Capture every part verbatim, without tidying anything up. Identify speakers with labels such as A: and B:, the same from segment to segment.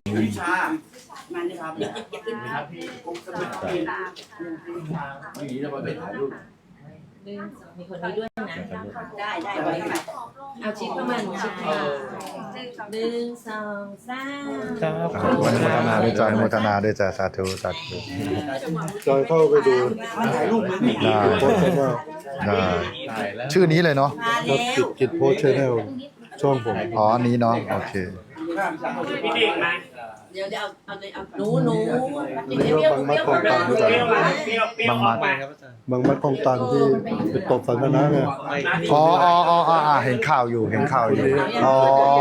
A: วิชามาเลยครับครับพี่ผมจะเป็นทีมไม่มีแล้วมาเป็นถ่ายรูป
B: มีคนนี้ด้วยนะ
C: ได้ได้ไว้ค่ะ
B: เอาชิปเข้ามาหนูชิปเข้ามาหนึ่งสองสาม
D: ครับอนุโมทนาด้วยจ้าอนุโมทนาด้วยจ้าสาธุสาธุ
E: จอยเข้าไปดู
A: ถ่ายรูปมือถือ
D: ได้
E: โพสต์ชแนล
D: ได้ชื่อนี้เลยเนาะ
C: มา
E: ครับ
C: แล้ว
E: กิจกิจโพสต์ชแนลช่องผม
D: อ๋ออันนี้เนาะโอเค
A: พี่เด็กนะ
C: เดี๋ยวเดี๋ยวเอาเอาเลยเอา
B: หนูหนู
E: อันนี้ก็บางมัดคลองตัน
A: เปรี้ยวมาเปรี้ยวเปรี้ยวออกมา
E: บางมัดคลองตันที่ไปตบสันทนะเนี่ย
D: อ๋ออ๋ออ๋ออ๋อเห็นข่าวอยู่เห็นข่าวอยู่อ๋อ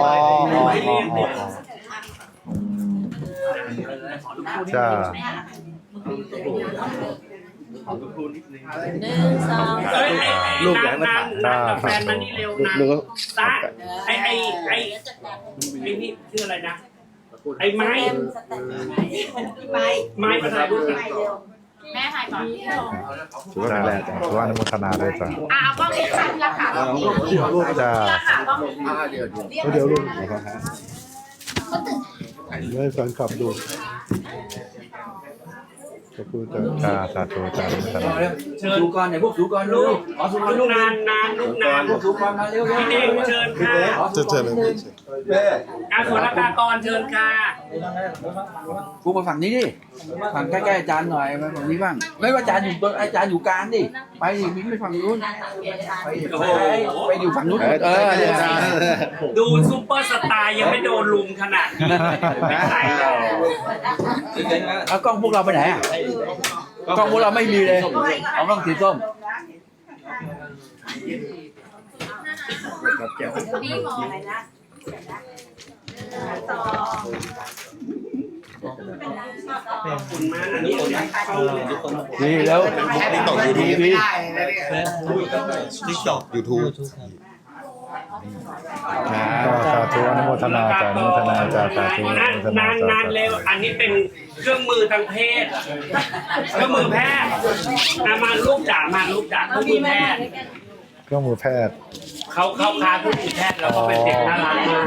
D: จ้า
B: หนึ่งสอง
A: เอ้ยลูกใหญ่มาถ่ายนานกับแฟนมันนี่เร็วนานตาไอไอไอไอนี่ชื่ออะไรนะไอไม้
C: ไป
A: ไม้มาถ่ายรูปกัน
F: แม่ถ่ายก่อน
D: ถือว่าแรงถือว่าอนุโมทนาด้วยจ้า
F: อ่ะเอากล้องนี้ค่ะที่ราคาก็มี
D: จ้า
F: ราคาก็มี
E: เดี๋ยวลุงให้แฟนคลับดูขอบคุณจ้า
D: จ้าสาธุจ้าอนุโมทนา
A: เชิญก่อนไหนพวกสูก่อนลูกอ๋อสูก่อนลูกนานนานลูกนานพวกสูก่อนมาเร็วพี่เด็กเชิญค่ะ
E: จะเจอเลย
A: อาสุรกากรเชิญค่ะ
G: กูมาฝั่งนี้ดิฝั่งใกล้ๆอาจารย์หน่อยมาฝั่งนี้บ้างไม่ว่าอาจารย์อยู่ตรงอาจารย์อยู่กลางดิไปดิมิ้งไปฝั่งนู้นไปไปไปอยู่ฝั่งนู้นเออเนี่ย
A: ดูซูเปอร์สตาร์ยังไม่โดนลุมขนาดนี้ไม่ใช่แล้ว
G: เอากล้องพวกเราไปไหนอ่ะกล้องพวกเราไม่มีเลยเอากล้องสีส้ม
F: นี่มอง
C: อะไรนะ
A: ขอบคุณมากอันนี้เข้า
G: นี่แล้ว
E: ติ๊กต็อกยูทูบนี่
H: ติ๊กต็อกยูทูบ
D: ก็สาธุอนุโมทนาจ้าอนุโมทนาจ้าสาธุอนุ
A: นาน
D: โมทนาน
A: าน
D: จ้าน
A: านเร็วอันนี้เป็นเครื่องมือทางเพศเครื่องมือแพทย์อ่ะมาลูกจ๋ามาลูกจ๋าเครื่องมือแพทย์
D: เครื่องมือแพทย์
A: เขาเข้าคลาสเครื่องมือแพทย์แล้วก็เป็นเด็กน่ารักมาก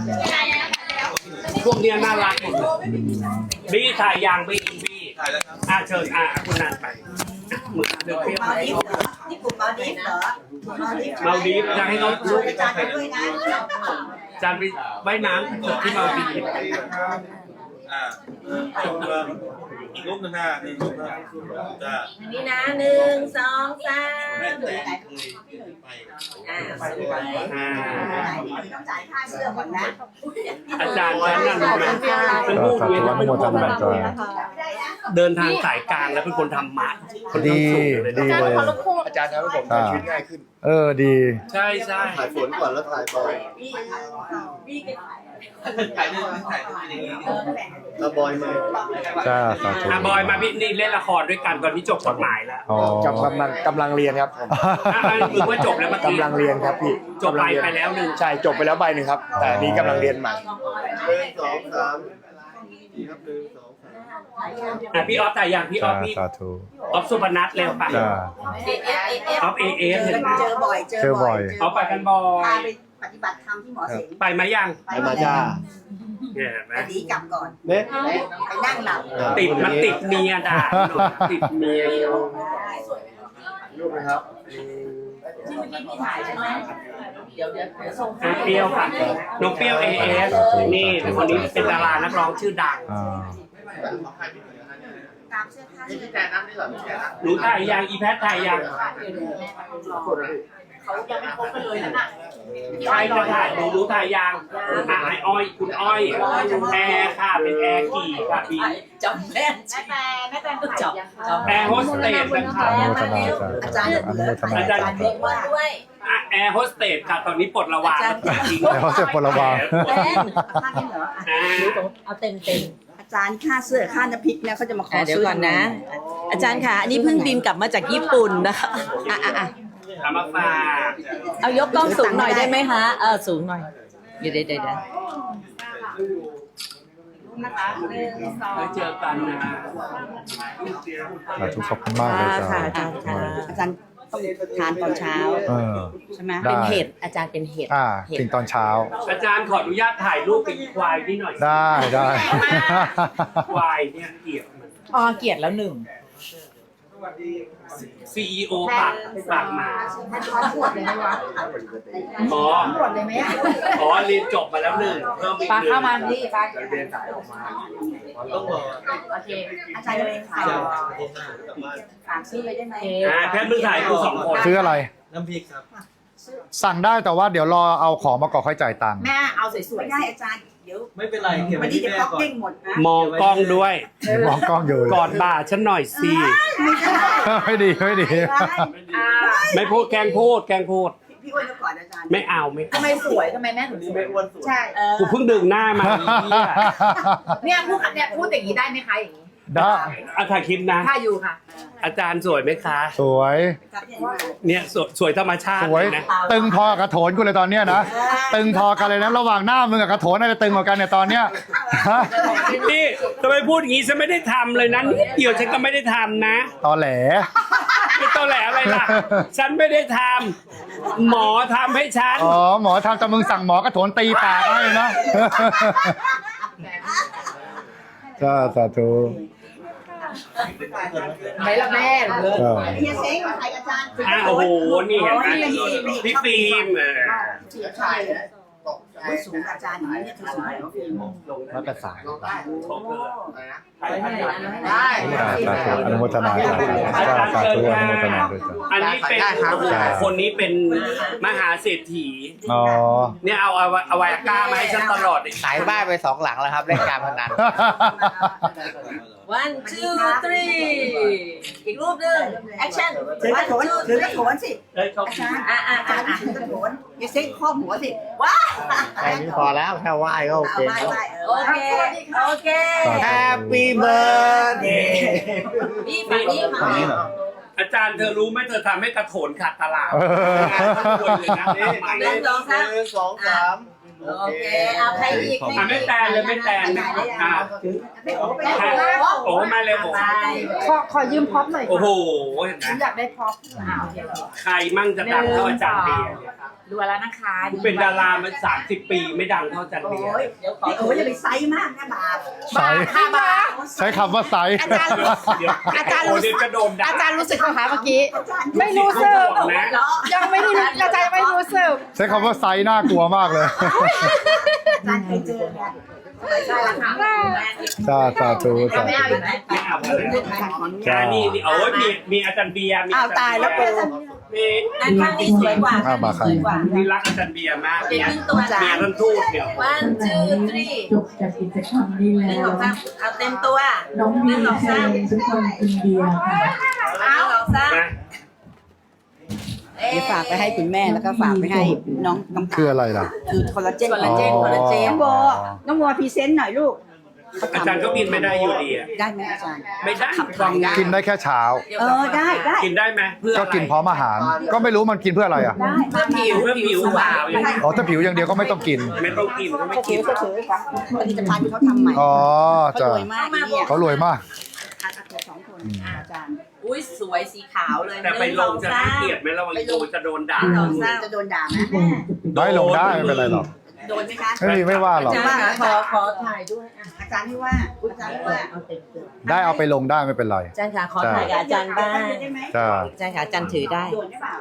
A: พวกเนี้ยน่ารักหมดเลยบี้ถ่ายยางบี้บี้อ่ะเชิญอ่ะคุณนันไปมือเดือดเปรี้ยว
C: มาดิฟเหรอนี่กลุ่มมาดิฟเหรอมาดิฟ
A: เมาดีฟจะให้เขาลูก
C: อาจารย์ไปด้วยนะ
A: จานไปว่ายน้ำที่เมาดีฟ
H: อ่าอีกรูปหนึงนะหนึ่งรูปนะจ้า
B: อันนี้นะหนึ่งสองสาม
H: ไป
B: อ่าสวย
A: อ่า
C: ต้องจ่ายค่าเสื้อก่อนนะ
A: อาจารย์นั้นน่ะรู้ไหมเป็น
D: ก็
A: ผู้
D: สา
A: เวียน
D: ธุอนุโมทนาจ้า
A: เดินทางสายกลางแล้วเป็นคนทำมัดคน
D: ดี
A: ทำสูงเลย
D: ดี
A: นะ
D: เลย
H: อาจารย์ทำให้ผมใช้ชีวิตง่ายขึ้น
D: เออดี
A: ใช่ใช่
E: ถ่ายฝนก่อนแล้วถ่ายบอย
C: พี่แก
H: ถ่ายรูปถ่ายรูปอย่างนี้
E: แล้วบอยมา
D: จ้าสาธุ
A: อ่ะบอยมาพี่นี่เล่นละครด้วยกันตอนนี้จบกฎหมายแล้ว
D: อ๋อ
I: กำลังกำลังเรียนครับ
A: อ่ะอันนี้คือว่าจบแล้วเมื่อกี้
I: กำลังเรียนครับพี่
A: จบไปไปแล้วหนึ่ง
I: ใช่จบไปแล้วใบหนึ่งครับ แต่อันนี้กำลังเรียนใหม่
E: หนึ่งสองสามดีครับหนึ่งสองสาม
A: อ่ะพี่ออฟถ่ายอย่างพี่ออ
D: จ้า
A: ฟพี่
D: สาธุ
A: ออฟสุพนัทเร็วไป
D: จ้า
C: เอฟเอฟเอฟ
A: ออฟเอเอฟ
C: เจ
A: เห็นไหม
C: อบ่อย
D: เจอบ่อย
A: ออฟไปกันบอ
C: พาย ไปปฏิบัติธรรมที่หมอเสง
A: ไปไหมยัง
E: ไปมาจ้า
A: เนี่ยเห็นไหม
C: ไปดีกลับก่อน
E: เนี่ย
C: ไปนั่งหลับ
A: ติดมันติดเมียด่าติดเมียอยู่
E: รูปนะครับ
C: ที่เมื่อกี้พี่ถ่ายใช่ไหมเดี๋ยวเดี๋ยวเดี๋ยวส่ง
A: อ่ะเปรี้ยวค่ะน้องเปรี้ยวเอเอสนี่คนนี้เป็นดารานักร้องชื่อดัง
D: อ่า
C: ตามเสื้อผ้าเสื้อแต่น้ำนี่เหรอ
A: หนูถ่ายยังอีแพทถ่ายยัง
C: เขายังไม่ครบกันเลยนะน่ะ
A: ใครจะถ่ายหนูหนูถ่ายยังอ่ะไออ้อยคุณอ้อยแอร์ค่ะเป็นแอร์กี่ค่ะพี่
C: จำแม่น
F: แม่แตนแม่แตนถ่ายยังคะ
A: แอร์โฮสเตสนะคะ
D: อนุโมทนาจ้า
C: อาจารย์
D: อนุโมทนา
C: อาจารย์
D: จ้า
C: เรียกว่า
B: ด้วย
A: อ่ะแอร์โฮสเตสค่ะตอนนี้ปลดระวางจริง
D: แต่เขาเสร็จพลวาง
B: เต้น
C: ค่านี้เหรอ
A: อ่า
B: เอาเต็มเต็ม
C: อาจารย์ค่าเสื้อค่าน้ำพริกเนี่ยเขาจะมาขอ
B: เดี๋ยว
C: ซื้อ
B: ก่อนนะ อาจารย์ค่ะ อันนี้เพิ่งบินกลับมาจากญี่ปุ่นนะคะอ่ะอ่ะอ่ะ
A: ทำมาฝาก
B: เอายกกล้องสูงหน่อยได้ไหมคะเออสูงหน่อยเดี๋ยวเดี๋ยวเดี๋ยว
F: นะคะหนึ่งสอง
A: แล้วเจอกันนะ
D: สาธุขอบคุณมากเลยจ้า
B: ค่ะอาจารย์ค่ะ
C: อาจารย์
B: ต้องทานตอนเช้า
D: เออ
B: ใช่ไหม
D: ได้
B: เป็นเห็ดอาจารย์เป็นเห็ด
D: อ่า
B: เห็ด
D: กินตอนเช้า
A: อาจารย์ขออนุญาตถ่ายรูปเป็นควายนี่หน่อย
D: ได้ได้
A: ควายเนี่ยเกลียดมัน
C: อ๋อเกลียดแล้วหนึ่ง
A: ซี อี โอปากปากหมา
F: ท่านขอปวดเลยไหมวะ
A: อ๋อ
F: ปวดเลยไหมอ่ะ
A: อ๋อเรียนจบมาแล้วหนึ่งเพิ่มอีก
C: ปลา
A: หนึ่ง
C: เข้ามาดิปลา
E: ต้องรอ
F: โอเคอาจารย์จะเป็นขาย
C: ฝากซื้อเลยได้ไหม
A: อ่าแค่มึงถ่ายกูสองคน
D: ซื้ออะไร
E: น้ำพริกครับ
D: สั่งได้แต่ว่าเดี๋ยวรอเอาของมาก่อนค่อยจ่ายตังค์
C: แม่เอาสวย
F: ไม่ได้อาจารย์เดี๋ยว
E: ไม่เป็นไรเก็บ
F: วั
E: ไว้
F: นนี้
E: ที่
F: เดี๋ยว
E: แม่
F: เขา
E: ก่อน
F: เด้งหมดนะ
A: มองกล้องด้วย
D: มองกล้องอยู่
A: กอดบ่าฉันหน่อยสิ
D: ไม่ดีไม่ดี
A: ไม่พูดแกล้งพูดแกล้งพูด
F: พี่อ้วนก็ก่อนอาจารย์
A: ไม่เอาไม่
C: ๆทำไมสวยทำไมแม่ถึงสวย
E: ไม่อ้วนสุด
F: ใช่
C: เออ
A: กูเพิ่งดึงหน้ามาเนี่ย
C: เนี่ยพูดเนี่ยพูดอย่างนี้ได้ไหมคะอย่างนี้
D: ได้
A: อาถ่ายคลิปนะ
C: ถ้าอยู่ค่ะ
A: อาจารย์สวยไหมคะ
D: สวย
F: ครับเนี่ยมา
A: เนี่ยสวยสวยธรรมชาติ
D: สวย
A: นะ
D: ตึงพอกับกระโถนกูเลยตอนเนี้ยนะ ตึงพอกันเลยนะระหว่างหน้ามึงกับกระโถนอะไรตึงกว่ากันเนี่ยตอนเนี้ยฮะ
A: นี่ทำไมพูดอย่างนี้ฉันไม่ได้ทำเลยนะนิดเดียวฉันก็ไม่ได้ทำนะ
D: ตอแหล
A: ไม่ต้องแหลอะไรล่ะ ฉันไม่ได้ทำหมอทำให้ฉัน
D: อ๋อหมอทำแต่มึงสั่งหมอกระโถนตีปากให้นะ จ้าสาธุ
C: ไหนละแม่เลย
D: จ้า
F: เฮียเซ้งมาถ่ายอาจารย์
A: อ่ะโอ้โห นี่เห็นไหมพี่ฟิล์มเออ
F: สีชายสูงอาจารย์อย่างนี้เนี่ยสูงแล้วฟิล์ม
D: มาตรฐาน
F: ได้
D: จ้าสาธุอนุโมทนาจ้าจ้าสาธุอนุโมทนาด้วยจ้า
A: อันนี้เป็นคนนี้เป็นมหาเศรษฐี
D: อ๋อ
A: เนี่ยเอาเอาเอาไว้ก้ามาให้ฉันตลอด
J: ขายบ้านไปสองหลังแล้วครับเล่นการพนัน
B: วัน two three อีกรูปหนึ่ง action
F: ถือกระโถนถือกระโถนสิ
A: เอ้ยเขา
F: อาจารย์
B: อ่ะอ่ะ
F: อาจารย์ถือกระโถนเฮียเซ้งครอบหัวสิ
B: ว้า
J: แค่นี้พอแล้วแค่ไหว้ก็โอ
F: เอา
J: เค
F: ไหว้ไหว้เอ
B: โอ
F: อ
B: เคโอเค
J: แฮปปี้เบิร์ดเดย์
B: นี่ฝั่งนี้ฝั่งนี้
A: อาจารย์เธอรู้ไหมเธอทำให้กระโถนขาดตลาด
D: เออ
A: งานทั้งคนเลยนะ
F: หนึ่งสองสาม
E: หนึ่งสองสาม
F: โอเคเอาใครอีก
A: อ่ะไม่แตนเลยไม่แตนนะอ่ะ
F: ไม่โอ้ไป
A: อ่ะ
F: แล้ว
A: โอ้มาเลยโอ้
C: ขอขอยืมพ็อปหน่อย
A: โอ้โหเห็นไหม
C: ฉันอยากได้พ็อปอ่าโอเค
A: ใครมั่งจะดังเท่าอาจารย์เบียร์เนี่ย
C: ดูแล้วนะคะ
A: กูเป็นดารามาสามสิบปีไม่ดังเท่าอาจารย์
F: โอ้
A: เบียร์
F: ยนี่โอ้ยอย่าไปไซส์มากนะบาป
D: ไซส์
C: ค่ะบา
D: ใช้คำว่าไซส์
C: อาจารย์รู้
A: เดี๋ยว
C: อาจารย์
A: โอ้
C: รู้
A: เดี๋ยวจะโดนด่า
C: อาจารย์รู้สึกไหมคะเมื่อกี้
F: อาจารย์
C: ไม่รู้สึก
A: บอกนะ
C: ยังไม่ได้รู้อาจารย์ยังไม่รู้สึก
D: ใช้คำว่าไซส์น่ากลัวมากเลย
F: อาจารย์เคยเจอไงใช่ละค่ะ
D: จ้าสาธุสา
C: ไม่
D: ธุ
C: เอาอีกไหม
A: ไม่เอาเลยอ่านี่นี่โอ้ยมีมีอาจารย์เบียร์มี
F: อ้าวตายแล้วกู
A: มี
B: อันข้างนี้สวยกว่า
D: อ่ะมาครับ
B: สวยกว่า
A: นี่รักอาจารย์เบียร์มาก
B: เป็น
A: เนี่ย
B: ครึ่งตัวจ้า
A: เบียร์ท่านทูตเนี่ย
B: one two three
K: จบจากกิจกรรมนี้
B: หนึ่ง
K: แล้
B: ส
K: ว
B: องสามเอาเต็มตัว
K: น้อง
B: ห
K: มี
B: นึ่งสอง
K: ให้
B: สาม
K: ทุกคนกินเบียร์ค่ะ
B: เอาสองสาม
A: นะ
B: เอ๊ะ
F: เดี๋ยวฝากไปให้คุณแม่แล้วก็ฝากไปให้น้องน้อง
D: คืออะไรล่ะ
F: คือคอลลาเจน
B: คอลลาเจนคอลลาเจน
F: น้องโบน้องโบพรีเซนต์หน่อยลูก
A: อาจารย์ก็บินไม่ได้อยู่ดีอะ
F: ได้ไหมอาจารย์
A: ไม่ได้
F: ขับกล่องได้
D: กินได้แค่เช้า
F: เออได้ได้
A: กินได้ไหมเพื่อ
D: ก็
A: อะไร
D: กินพร้อมอาหาร ก็ไม่รู้มันกินเพื่ออะไรอ่ะ
F: ได้
B: เพื่อผิว
A: เพื่อผิวขาวอย่างนี้
D: อ๋อถ้าผิวอย่างเดียวก็ไม่ต้องกิน
A: ไม่ต้องกินก็ไม่
F: ก็
A: กิ
F: ถื
A: น
F: อก็ถือค่ะผลิตภัณฑ์ที่เขาทำใหม่
D: อ๋อ
F: เขา
D: จ้ะ
F: รวยมากเนี่ย
D: เขารวยมาก
F: อาจารย์สองคนอาจารย์
B: อุ้ยสวยสีขาวเลย
A: แต่ไป
B: หนึ่
A: ล
B: สอง
A: จะ
B: สา
A: น่าม เกลียดไหมระวังโดนจะโดนด่า
B: หนึ่งสองสาม
F: จะโดนด่าไหม
D: ได้ลงได้ไม่เป็นไรหรอก
F: โดนไหมคะ
D: ไม่มีไม่ว่าหรอก
B: อาจารย์ขอขอถ่ายด้วยอ่ะ
F: อาจารย์ที่ว่าอาจารย์ที่ว่า
D: ได้เอาไปลงได้ไม่เป็นไร
B: อาจารย์ค่ะขอถ่ายกับอาจารย์บ้าง
F: ได้ไหม
D: จ้า
B: อาจารย์ค่ะอาจารย์ถือได้
F: โดนหรือเปล่า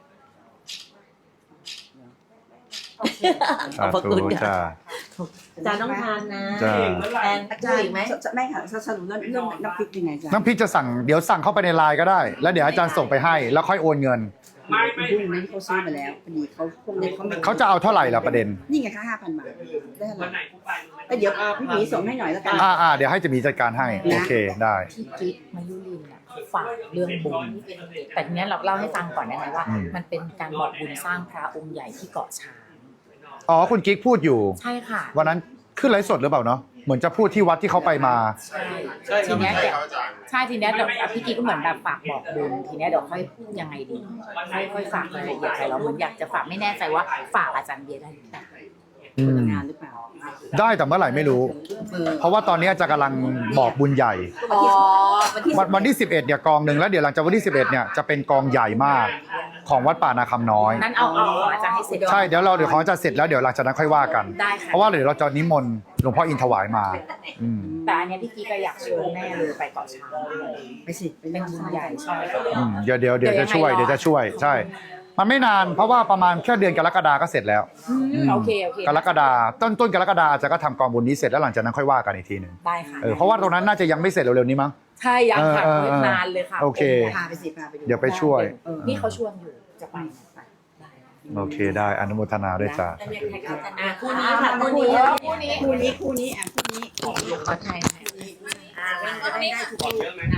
B: ขอบพระ
D: สาธุ
B: คุณค่ะ
D: จ้า
B: อาจารย์ต้องทานนะ
D: จ้า
B: แอน
F: อา
B: พู
F: จา
B: ด
F: รย์
B: อีกไหม
F: ไม่ค่ะสรุปเรื่องเรื่องน้ำพริกยังไงอาจารย์
D: น้ำพริกจะสั่งเดี๋ยวสั่งเข้าไปในไลน์ก็ได้ แล้วเดี๋ยวอาจารย์ส่งไปให้แล้วค่อยโอนเงิน
A: ไม่ไม่
F: พรุ่งนี้เขาซื้อมาแล้วพอดีเขาพวกนี้เขาไม่
D: เขาจะเอาเท่าไหร่ล่ะประเด็น
F: นี่ไงคะห้าพันบาทได้อะไร
A: วันไหนกูไป
F: แต่เดี๋ยวพี่หมีส่งให้หน่อยแล้วกัน
D: อ่าอ่าเดี๋ยวให้จะมีจัดการให้โอเคได้
C: ที่กิ๊กมายุรินอ่ะเขาฝากเรื่องบุญแต่ทีนี้เราเล่าให้ฟังก่อนได้ไหมว่า
D: อืม
C: มันเป็นการบอกบุญสร้างพระองค์ใหญ่ที่เกาะช้าง
D: อ๋อคุณกิ๊กพูดอยู่
C: ใช่ค่ะ
D: วันนั้นขึ้นไลฟ์สดหรือเปล่าเนาะเหมือนจะพูดที่วัดที่เขาไปมา
C: ใช่ทีเนี้ยเดี๋ยวใช่ทีเนี้ยเดี๋ยวพี่กิ๊กก็เหมือนแบบฝากบอกบุญทีเนี้ยเดี๋ยวค่อยยังไงดีค่อยค่อยฝากรายละเอียดไปเราเหมือนอยากจะฝากไม่แน่ใจว่าฝากอาจารย์เบียร์ได้หรือเปล่า
D: อืม
F: งานหรือเปล่า
D: ได้แต่เมื่อไหร่ไม่รู้ เพราะว่าตอนนี้อาจารย์กำลังบอกบุญใหญ่
F: อ๋อวันที่
D: วันวันที่สิบเอ็ดเนี่ยกองหนึ่งแล้วเดี๋ยวหลังจากวันที่สิบเอ็ดเนี่ยจะเป็นกองใหญ่มากของวัดป่านาคำน้อย
C: นั้นเอาเอาของอาจารย์ให้เสร็จ
D: ใช่เดี๋ยวเราเดี๋ยวของอาจารย์เสร็จแล้วเดี๋ยวหลังจากนั้นค่อยว่ากัน
C: ได้ค่ะ
D: เพราะว่าเดี๋ยวเราจะนิมนต์หลวงพ่ออินถวายมาอืม
C: แต่อันเนี้ยพี่กิ๊กก็อยากเชิญแม่เลยไปเกาะช้าง
F: ไปสิ
C: เป็นบุญใหญ่ใช่
D: อืมเดี๋ยวเดี๋ยวเดี๋ยว
C: เดี๋
D: จะ
C: ยวยังไง
D: ช่วย
C: รอ
D: เดี๋ยวจะช่วยใช่ มันไม่นานเพราะว่าประมาณแค่เดือนกรกฎาก็เสร็จแล้ว
C: อืมโอเคโอเค
D: กรกฎาต้นต้นกรกฎาอาจารย์ก็ทำกองบุญนี้เสร็จแล้วหลังจากนั้นค่อยว่ากันอีกทีหนึ่ง
C: ได้ค่ะ
D: เออเพราะว่าตรงนั้นน่าจะยังไม่เสร็จเร็วๆนี้มั้ง
C: ใช่ยังค่ะ
D: เออเออเออ
C: นานเลยค่ะ
D: โอเค
F: พาไปสิพาไปดู
D: เดี๋ยวไปช่วย
C: เออนี่เขาชวนอยู่จะไปไป
D: โอเคได้อนุโมทนาด้วยจ้า
C: อ่ะคู่นี้ค่ะคู่นี้คู่นี้
F: คู่นี้คู่นี้อ่ะคู่นี้
C: ขอถ่าย
F: อ่ามันจะได้ได้ทุกคน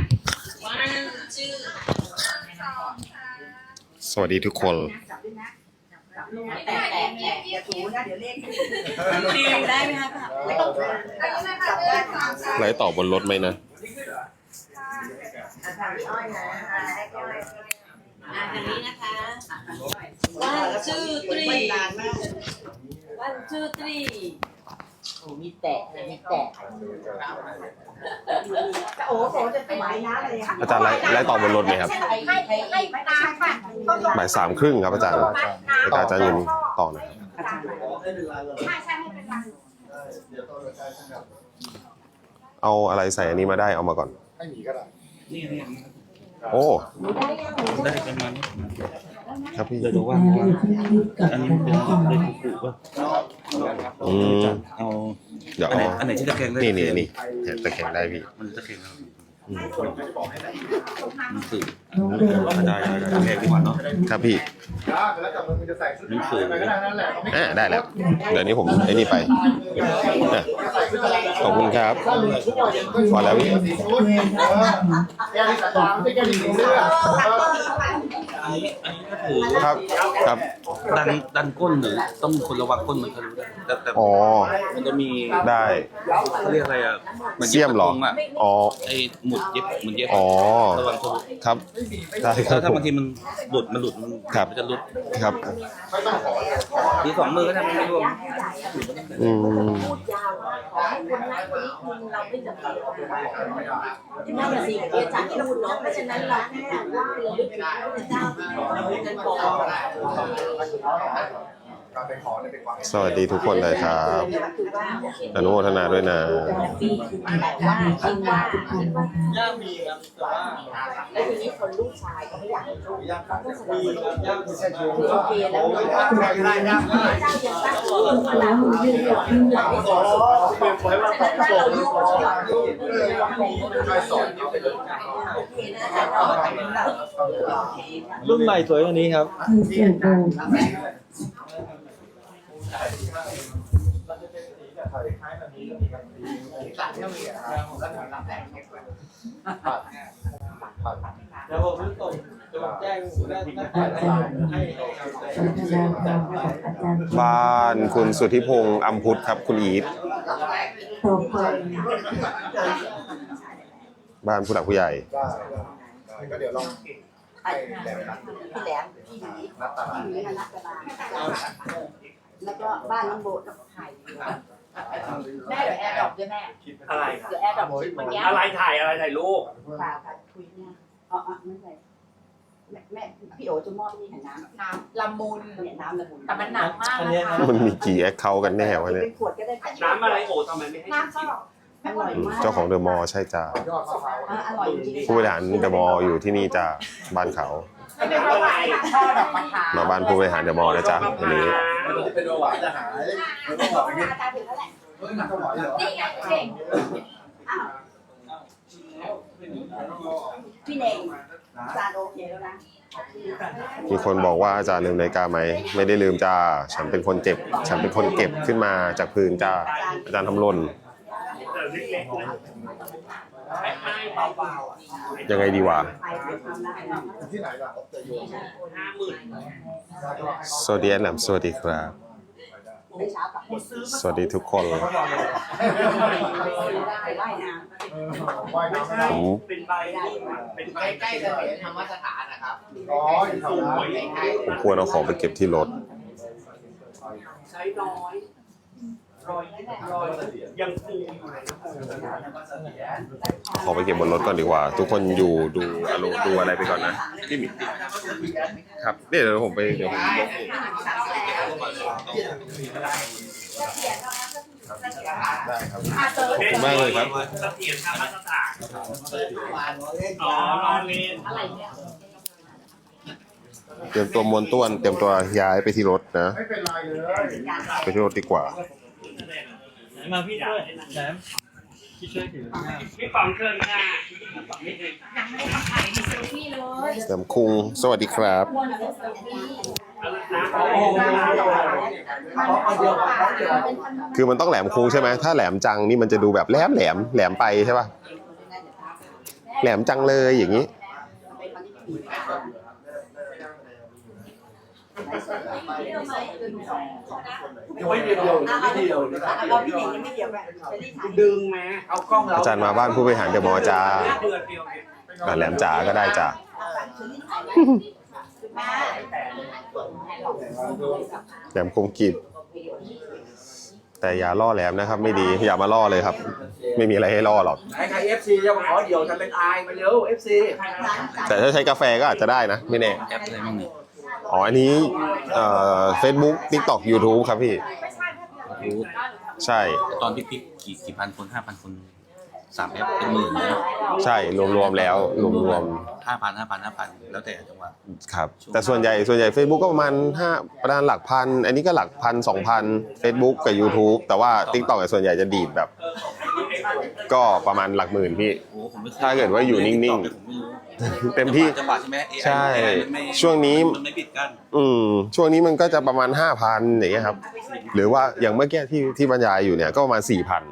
I: สวัสดีทุกคน
F: แต่แต่แต่อย่าถูนะเดี๋ยวเลขได้ไหมคะไม่ต้องจับได้ค่ะ
I: ไลฟ์ต่อบนรถไหมนะ
F: อ่ะทางอ้อยนะอ้อยอ่ะทางนี้นะคะ
B: one two
F: วัน
B: three
F: นานมาก
B: one two three
F: โอ้มีแตะมีแตะโอ้โหจะถวายน้ำอะไรค่ะ
I: อาจารย์ไลฟ์ไลฟ์ต่อบนรถไหมครับ
F: ให้ให้ให้น้ำค่ะ
I: บ่ายสามครึ่งครับอาจารย์อาจารย์จะยืนต่อหน่อยเอาอะไรใส่อันนี้มาได้เอามาก่อน
D: ให้หนีก็ได้
H: นี่นี่
I: โอ้
H: ได้ประมาณนี้
I: ครับพี่
H: เดี๋ยวดูว่าอันนี้เป็นเป็นผูกป่ะ
I: อืม
H: เอา
I: เดี๋ยว
H: อันไหน
I: เอา
H: อันไหนที่ตะแคงได้
I: นี่นี่นี่เห็นตะแคงได้พี่
H: มันตะแคงแล้ว
I: อืม
H: มันสื่อได้ได้ได้ตะแคงดีกว่าเนาะ
I: ครับพี่
D: แล้วจับมือจะใส่ชุดอะไรก็ได้นั่นแหละ
I: อ่าได้แล้ว เดี๋ยวนี้ผมไอ้นี่ไปอ่ะขอบคุณครับพอแล้วพี่
D: สีชุดเออแก้วที่สามไม่ใช่แก้วที่สีเสื้อ
H: อันนี้อันนี้ก็ถือ
I: ครับครับ
H: ดันดันก้นหรือต้องคนระวังก้นมันทะลุได้แต่แต่
I: อ๋อ
H: มันจะมี
I: ได้
H: เขาเรียกอะไรอ่ะน
I: เสี่ยมเหรอ
H: กะทงอ่ะ
I: อ๋อ
H: ไอ้หมุดเย็บหมุดเย็บ
I: อ๋อ
H: ระวังทะลุ
I: ครับได้ครั
H: ถ้า
I: บ
H: ถ้าบางทีมันหลุดมันหลุดมัน
I: ครับ
H: มันจะหลุด
I: ครับ
H: ทีสองมือก็ทำไม่รวม
I: อืม
F: พูดยาวขอให้คนนั้นคนนี้คุณเราไม่จำเป็นที่นั่นสิ่งที่อาจารย์พูดเนาะเพราะฉะนั้นเราแค่ว่าเราลึกถึงพระเจ้าที่เราพูดกันก่อน
I: สวัสดีทุกคนเลยครับอนุโมทนาด้วยนะ
F: ปีคือแต่ว่าคิดว่าคิดว่าแล้วทีนี้คนลูกชายก็ไม่อยากให้ลูกเขาก็แสดงคือโอเคแล้วพระเจ้ายังตั้งชื่อว่าเราอยู่ก่อนเราอยู่ก่อนโอเคนะอาจารย์
J: รุ่นใหม่สวยกว่านี้ครับ
K: คือเสือโบ
J: เดี๋ยวผมจะส่งจะแจ้งได้ให้
K: พัฒนาการของอาจารย์
I: บ้านคุณสุทธิพงษ์อัมพุทธครับคุณอีท
K: ต่อไป
I: บ้านผู้หลักผู้ใหญ่
D: ก็เดี๋ยวลอง
F: พี่แหลมพี่หลีพี่หลีมานักกระบาลแล้วก็บ้านน้องโบกับไข่
C: แม่เดี๋ยวแอร์ดรอปด้วยแม่
A: อะไร
C: เดี๋ยวแอร์ดรอปคลิปวันเนี้ย
A: อะไรถ่ายอะไรถ่ายรูป
F: ป่าค่ะคุยเนี่ยอ๋อไม่ใช่แม่แม่พี่โอจะมอบนี่เห็นน้ำ
C: น้ำละมุน
F: เนี่ยน้ำละมุน
C: แต่มันหนักมากนะคะ
I: มันมีกี่แอคเคาท์กันแน่วะเนี่ย
F: เป็นขวดก็ได้
A: น้ำอะไรโอ้ทำไมไม่ให้
C: น้ำก็
F: อร่อยมาก
I: เจ้าของเดอะมอลล์ใช่จ้า
F: อร่อยจริง
I: ผู้บริหารเดอะมอลล์อยู่ที่นี่จ้าบ้านเขา
C: ไม่เป็นไรช่อดอกมะขาม
I: มาบ้านผู้บริหารเดอะมอลล์นะจ๊ะวันนี้
D: เป็นเบาหวานจะหายเบาหวานอย่างเงี้ย
C: นี่ไงเก่ง
F: พี่เน่งจานโอเคแล้วนะ
I: มีคนบอกว่าอาจารย์ลืมนาฬิกาไหมไม่ได้ลืมจ้าฉันเป็นคนเจ็บ ฉันเป็นคนเก็บขึ้นมาจากพื้นจ้าอาจารย์ทำหล่นยังไงดีวะ
D: ที่ไหนล่ะ
A: ห้าหมื่น
I: สวัสดีแอนแหลมสวัสดีครับ สวัสดีทุกคน
F: ได้ว่ายน้ำ
D: ว่ายน้ำ
I: ผม
A: เป็นใบเป็นใบ
J: ใกล้ๆจะเห็นธรรมสถานนะครับ
D: อ๋ออยู่แถวนั้น
I: ผมควรเอาของไปเก็บที่รถ
A: ใช้น้อย
F: เ
A: ยังฟูอยู่เลย
I: ขอไปเก็บบนรถก่อนดีกว่า ทุกคนอยู่ดูอารมณ์ดูอะไรไปก่อนนะพี่หมิครับเดี๋ยวผมไปเดี๋ยวผมได้ครับขอบคุณมากเลยครับ
A: เสถียรธรรมสถานอ๋อรอเรียนอะไรเนี่ย
I: เตรียมตัวมวนต้วนเตรียมตัวย้ายไปที่รถนะ
D: ไม่เป็นไรเลย
I: ไปที่รถดีกว่า
J: มาพี่ช่วยแซมพี่ช่วยถือ
A: พี่ฟองเครื่องหน้า
I: แหลมคุงสวัสดีครับ คือมันต้องแหลมคุงใช่ไหมถ้าแหลมจังนี่มันจะดูแบบแหลมแหลมแหลมไปใช่ป่ะแหลมจังเลยอย่างนี้
G: ยังไม่เดียวไม่เดียว
F: เราพี่หนิงยังไม่เดียวแบบ
A: ดึงมา
G: เอากล้องเรา
I: อาจารย์มาบ้านผู้บริหารเดอะมอลล์จ้า
A: เดือนเดียวเอง
I: อ่ะแหลมจ๋าก็ได้จ้าแหลมคมกรีบแต่อย่าล่อแหลมนะครับ ไม่ดีอย่ามาล่อเลยครับ ไม่มีอะไรให้ล่อหรอก
G: ไหนใครเอฟซีจะมาขอเดี่ยวจะเป็นอายมาเร็วเอฟซี
I: แต่ถ้าใช้กาแฟก็อาจจะได้นะไม่แน่
G: แอปอะไรบ้างเนี่ย
I: อ๋ออันนี้เอ่อ Facebook TikTok YouTube ครับพี่ใช่
L: ตอนพิกๆกี่กี่พันคนห้าพันคนสามแอปเป็นหมื่นเลย
I: ใช่รวมๆแล้วรวม
L: ห้าพันห้าพันห้าพันแล้วแต่จังหวะ
I: ๆครับแต่ส่วนใหญ่ส่วนใหญ่ Facebook ก็ประมาณห้าประมาณหลักพันอันนี้ก็หลักพันสองพัน Facebook กับ YouTube แต่ว่า TikTok ส่วนใหญ่จะดีดแบบ ก็ประมาณหลักหมื่นพี่
L: โอ้ผมไม่
I: ถ้าเกิดว่าอยู่นิ่งๆเต็มที่
L: จังหวะใช่ไหม
I: ใช่ช่วงนี้
L: มันไม่ปิดกั้น
I: อืมช่วงนี้มันก็จะประมาณ ห้าพัน อย่างเงี้ยครับหรือว่าอย่างเมื่อกี้ที่ที่บรรยายอยู่เนี่ยก็ประมาณ สี่พัน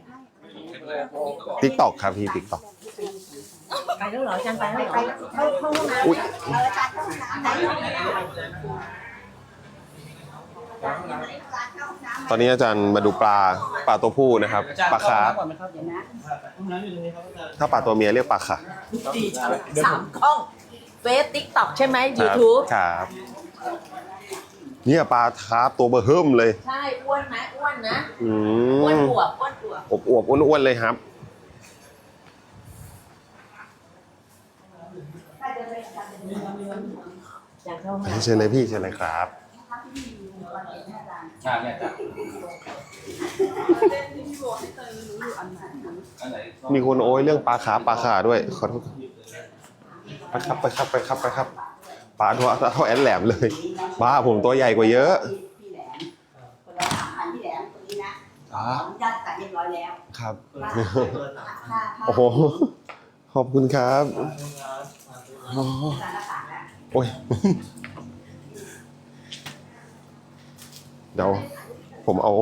I: TikTok ครับพี่ TikTok
B: ไปแล้วเหรออาจารย์ไปแล้วเหรอ
F: เข้าเข้าห้องน้ำ
I: อุ๊ย
F: เอออาจารย์เข้าห้องน้ำ
I: ตอนนี้อาจารย์มาดูปลาปลาตัวผู้นะครับปลาคาร์ฟ
J: ห้องน้ำอยู่ตรงนี้ครับอาจารย์
I: ถ้าปลาตัวเมียเรียกปลาค่ะ
B: สามกล้องเฟซติ๊กต็อกใช่ไหม
I: ครับ
B: ยูทูบ
I: ครับเนี่ยปลาคาร์ฟตัวเบอร์เฮิ่มเลย
B: ใช่อ้วนไหมอ้วนนะ
I: อื
B: อ้วน
I: ม
B: อวบอ้วนอวบ
I: อบอวบๆอ้วนๆเลยครับเชิญเลยพี่เชิญเลยครับ
L: ใช่เนี่ยจ้ะอันไหน
I: มีคนโอ้ยเรื่องปลาขาปลาขาด้วยขอโทษไปครับไปครับไปครับไปครับปลาตัวเท่าแอนแหลมเลยบ้าผมตัวใหญ่กว่าเยอะ
F: พี่แหลมคนละสามพันพี่แหลมคนนี้นะ
I: อ๋อ
F: ญาติตัดเรียบร้อยแล้ว
I: ครับ
F: ค่าค่า
I: โอ้โหขอบคุณครับอ๋อโอ้ยเดี๋ยวผมเอา